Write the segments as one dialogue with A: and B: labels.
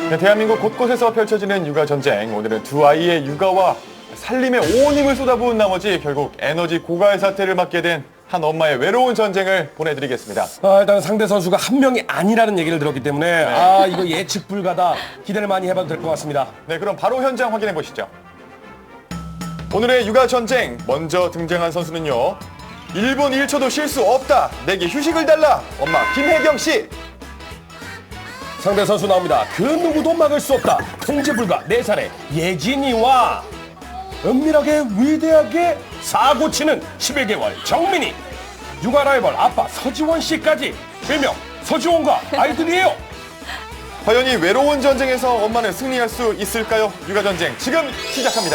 A: 네, 대한민국 곳곳에서 펼쳐지는 육아 전쟁. 오늘은 두 아이의 육아와 살림에 온 힘을 쏟아부은 나머지 결국 에너지 고갈 사태를 맞게 된 한 엄마의 외로운 전쟁을 보내드리겠습니다.
B: 일단 상대 선수가 한 명이 아니라는 얘기를 들었기 때문에 이거 예측 불가다. 기대를 많이 해봐도 될 것 같습니다.
A: 네, 그럼 바로 현장 확인해 보시죠. 오늘의 육아 전쟁 먼저 등장한 선수는요. 1분 1초도 쉴 수 없다. 내게 휴식을 달라. 엄마 김혜경 씨.
B: 상대 선수 나옵니다. 그 누구도 막을 수 없다. 통제 불가 4살의 예진이와 은밀하게 위대하게 사고치는 11개월 정민이, 육아 라이벌 아빠 서지원 씨까지 일명 서지원과 아이들이에요.
A: 과연 이 외로운 전쟁에서 엄마는 승리할 수 있을까요? 육아 전쟁 지금 시작합니다.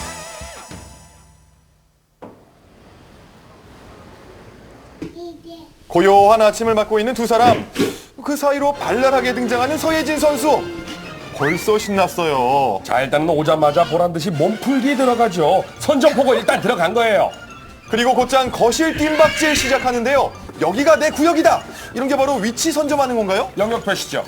A: 고요한 아침을 맞고 있는 두 사람. 그 사이로 발랄하게 등장하는 서예진 선수. 벌써 신났어요.
B: 자, 일단은 오자마자 보란듯이 몸풀기 들어가죠. 선전포고 일단 들어간 거예요.
A: 그리고 곧장 거실 뜀박질 시작하는데요. 여기가 내 구역이다. 이런 게 바로 위치 선점하는 건가요?
B: 영역 표시죠.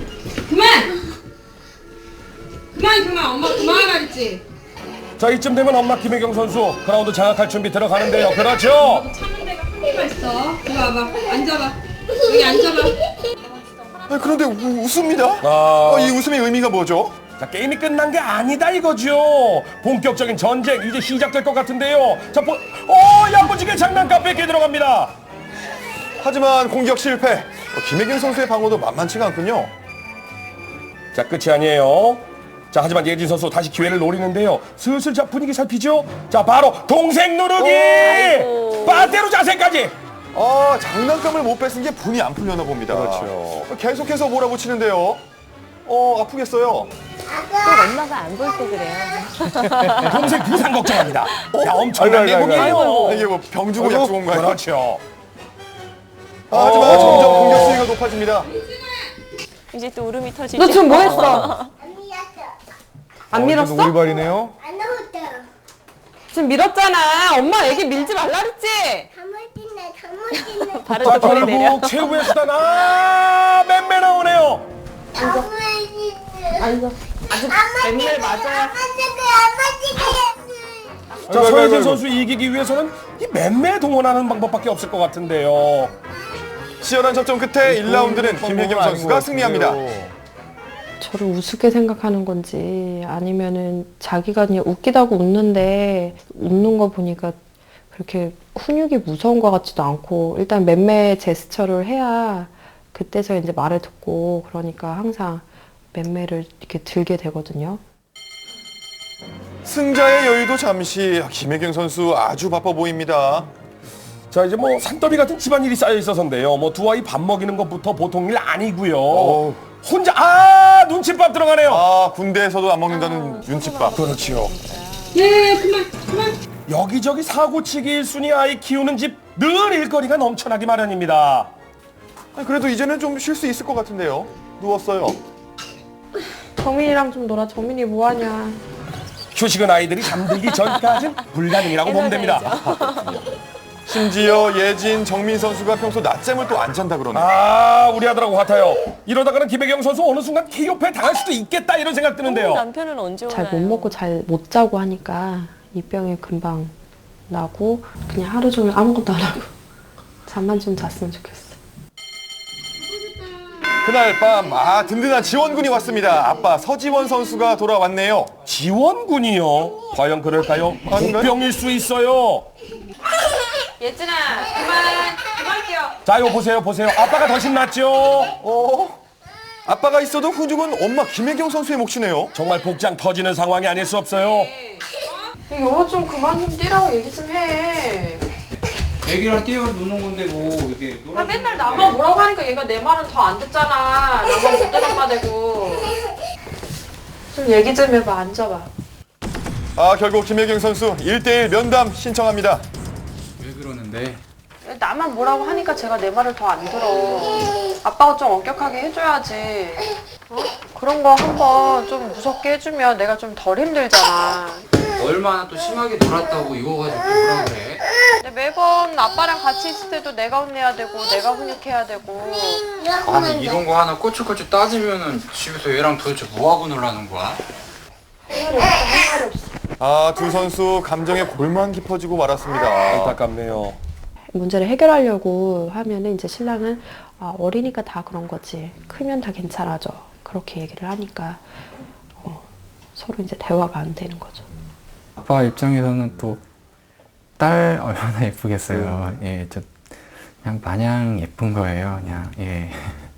C: 그만 엄마 그만하라 했지.
B: 자, 이쯤 되면 엄마 김혜경 선수 그라운드 장악할 준비 들어가는데요. 그렇죠.
C: 참는 데가 한계가 있어. 이리 와봐. 앉아봐. 여기 앉아봐.
A: 그런데 웃습니다. 이 웃음의 의미가 뭐죠?
B: 자, 게임이 끝난 게 아니다 이거죠. 본격적인 전쟁 이제 시작될 것 같은데요. 자, 야무지게 장난감 뺏게 들어갑니다.
A: 하지만 공격 실패. 김혜경 선수의 방어도 만만치가 않군요.
B: 자, 끝이 아니에요. 자, 하지만 예진 선수 다시 기회를 노리는데요. 슬슬 자 분위기 살피죠. 자, 바로 동생 누르기. 빠떼로 자세까지.
A: 장난감을 못 뺏은 게 분이 안 풀려나 봅니다.
B: 그렇죠.
A: 계속해서 몰아붙이는데요. 아프겠어요.
D: 꼭 엄마가 안 볼 때 그래요.
B: 동생 부상 걱정합니다. 야, 엄청난
A: 아이고,
B: 내공이에요.
A: 이게 뭐 병 주고 약 주고 온 건가요?
B: 그렇죠.
A: 하지만 점점 공격 수위가 높아집니다.
D: 이제 또 울음이 터지죠.
C: 너 지금 뭐 했어? 안 밀었어?
A: 우리발이네요.
E: 안 나왔다.
C: 지금 밀었잖아. 엄마 애기 밀지 말라 그랬지?
E: 가물지네.
D: 발을
B: 자,
D: 또 거리 내려.
B: 결국 최후의 수단 맴매 나오네요.
E: 앉아.
C: 맨날 맞아야.
B: 자, 서예진 선수 이기기 위해서는 이 맴매 동원하는 방법밖에 없을 것 같은데요.
A: 치열한 접전 끝에 1라운드는 김혜경 선수가 승리합니다.
F: 저를 우습게 생각하는 건지 아니면은 자기가 그냥 웃기다고 웃는데 웃는 거 보니까 그렇게 훈육이 무서운 것 같지도 않고 일단 맴매 제스처를 해야 그때서 이제 말을 듣고 그러니까 항상 맴매를 이렇게 들게 되거든요.
A: 승자의 여유도 잠시. 김혜경 선수 아주 바빠 보입니다.
B: 자, 이제 뭐 산더미 같은 집안일이 쌓여 있어서인데요. 뭐 두 아이 밥 먹이는 것부터 보통 일 아니고요. 혼자 눈칫밥 들어가네요.
A: 군대에서도 안 먹는다는 윤칫밥.
B: 그렇지요.
C: 그만.
B: 여기저기 사고치기 1순위 아이 키우는 집 늘 일거리가 넘쳐나기 마련입니다.
A: 그래도 이제는 좀 쉴 수 있을 것 같은데요. 누웠어요.
F: 정민이랑 좀 놀아. 정민이 뭐하냐.
B: 휴식은 아이들이 잠들기 전까지는 불가능이라고 보면 됩니다.
A: 심지어 예진, 정민 선수가 평소 낮잠을 또 안 잔다 그러네요.
B: 우리 아들하고 같아요. 이러다가는 김혜경 선수 어느 순간 KO패 당할 수도 있겠다 이런 생각 드는데요.
D: 남편은 언제 오나요?
F: 잘 못 먹고 잘 못 자고 하니까 이 병이 금방 나고 그냥 하루 종일 아무것도 안 하고 잠만 좀 잤으면 좋겠어.
A: 그날 밤 든든한 지원군이 왔습니다. 아빠 서지원 선수가 돌아왔네요.
B: 지원군이요? 과연 그럴까요?
A: 아닌가요?
B: 복병일 수 있어요.
C: 예진아 그만 끼워.
B: 자, 이거 보세요. 아빠가 더 신났죠?
A: 아빠가 있어도 훈육은 엄마 김혜경 선수의 몫이네요.
B: 정말 복장 터지는 상황이 아닐 수 없어요.
F: 영어 좀 그만 좀 뛰라고 얘기 좀 해.
G: 애기랑 뛰어 노는 건데 뭐 이게
F: 아, 맨날 나만 뭐라고 하니까 얘가 내 말은 더 안 듣잖아. 나만 못 듣는 마 되고. 좀 얘기 좀 해봐. 앉아봐.
A: 결국 김혜경 선수 1대1 면담 신청합니다.
G: 왜 그러는데?
F: 나만 뭐라고 하니까 제가 내 말을 더 안 들어. 아빠가 좀 엄격하게 해줘야지. 그런 거 한번 좀 무섭게 해주면 내가 좀 덜 힘들잖아.
G: 얼마나 또 심하게 놀았다고 이거 가지고 또 뭐라 그래?
H: 근데 매번 아빠랑 같이 있을 때도 내가 혼내야 되고 내가 훈육해야 되고
G: 아니 이런 거 하나 꼬치꼬치 따지면은 집에서 얘랑 도대체 뭐하고 놀라는 거야?
A: 아, 두 선수 감정에 골만 깊어지고 말았습니다.
B: 안타깝네요.
F: 문제를 해결하려고 하면은 이제 신랑은 어리니까 다 그런 거지. 크면 다 괜찮아져. 그렇게 얘기를 하니까 서로 이제 대화가 안 되는 거죠.
I: 아빠 입장에서는 또 딸 얼마나 예쁘겠어요. 예, 저 그냥 마냥 예쁜 거예요. 그냥 예.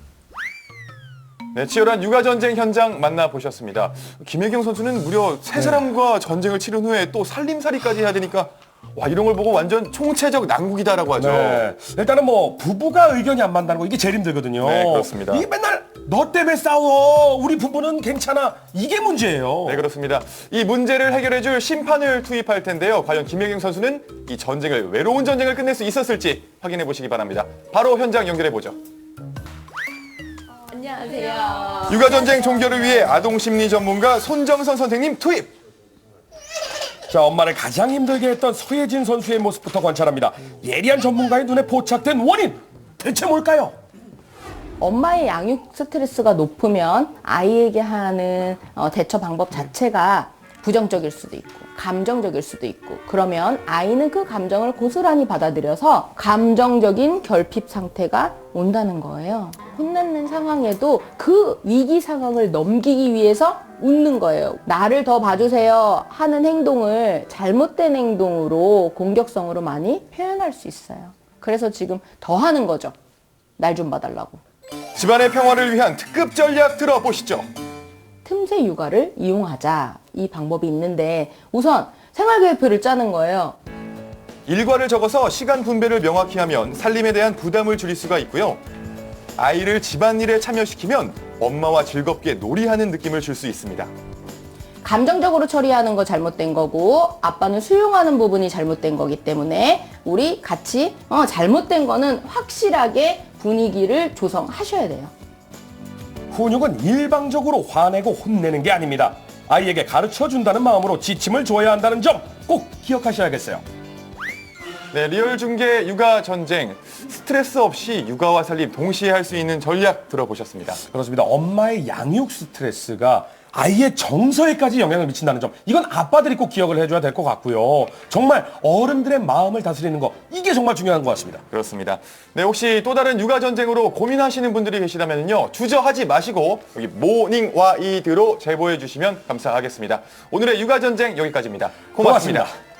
A: 네, 치열한 육아 전쟁 현장 만나보셨습니다. 김혜경 선수는 무려 세 사람과 전쟁을 치른 후에 또 살림살이까지 해야 되니까 와, 이런 걸 보고 완전 총체적 난국이다라고 하죠.
B: 네. 일단은 뭐 부부가 의견이 안 맞는다는 거 이게 제일 힘들거든요.
A: 네, 그렇습니다.
B: 이게 맨날 너 때문에 싸워. 우리 부부는 괜찮아. 이게 문제예요.
A: 네, 그렇습니다. 이 문제를 해결해줄 심판을 투입할 텐데요. 과연 김혜경 선수는 이 전쟁을 외로운 전쟁을 끝낼 수 있었을지 확인해 보시기 바랍니다. 바로 현장 연결해 보죠.
H: 안녕하세요.
A: 육아 전쟁 종결을 위해 아동 심리 전문가 손정선 선생님 투입.
B: 자, 엄마를 가장 힘들게 했던 서예진 선수의 모습부터 관찰합니다. 예리한 전문가의 눈에 포착된 원인 대체 뭘까요?
D: 엄마의 양육 스트레스가 높으면 아이에게 하는 대처 방법 자체가 부정적일 수도 있고 감정적일 수도 있고 그러면 아이는 그 감정을 고스란히 받아들여서 감정적인 결핍 상태가 온다는 거예요. 혼내는 상황에도 그 위기 상황을 넘기기 위해서 웃는 거예요. 나를 더 봐주세요 하는 행동을 잘못된 행동으로 공격성으로 많이 표현할 수 있어요. 그래서 지금 더 하는 거죠. 날 좀 봐달라고.
A: 집안의 평화를 위한 특급 전략 들어보시죠.
D: 틈새 육아를 이용하자 이 방법이 있는데 우선 생활계획표를 짜는 거예요.
A: 일과를 적어서 시간 분배를 명확히 하면 살림에 대한 부담을 줄일 수가 있고요. 아이를 집안일에 참여시키면 엄마와 즐겁게 놀이하는 느낌을 줄 수 있습니다.
D: 감정적으로 처리하는 거 잘못된 거고 아빠는 수용하는 부분이 잘못된 거기 때문에 우리 같이 잘못된 거는 확실하게 분위기를 조성하셔야 돼요.
B: 훈육은 일방적으로 화내고 혼내는 게 아닙니다. 아이에게 가르쳐준다는 마음으로 지침을 줘야 한다는 점 꼭 기억하셔야겠어요.
A: 네, 리얼 중계 육아 전쟁. 스트레스 없이 육아와 살림 동시에 할 수 있는 전략 들어보셨습니다.
B: 그렇습니다. 엄마의 양육 스트레스가 아이의 정서에까지 영향을 미친다는 점, 이건 아빠들이 꼭 기억을 해줘야 될 것 같고요. 정말 어른들의 마음을 다스리는 거, 이게 정말 중요한 것 같습니다.
A: 그렇습니다. 네, 혹시 또 다른 육아 전쟁으로 고민하시는 분들이 계시다면요, 주저하지 마시고 여기 모닝 와이드로 제보해 주시면 감사하겠습니다. 오늘의 육아 전쟁 여기까지입니다. 고맙습니다.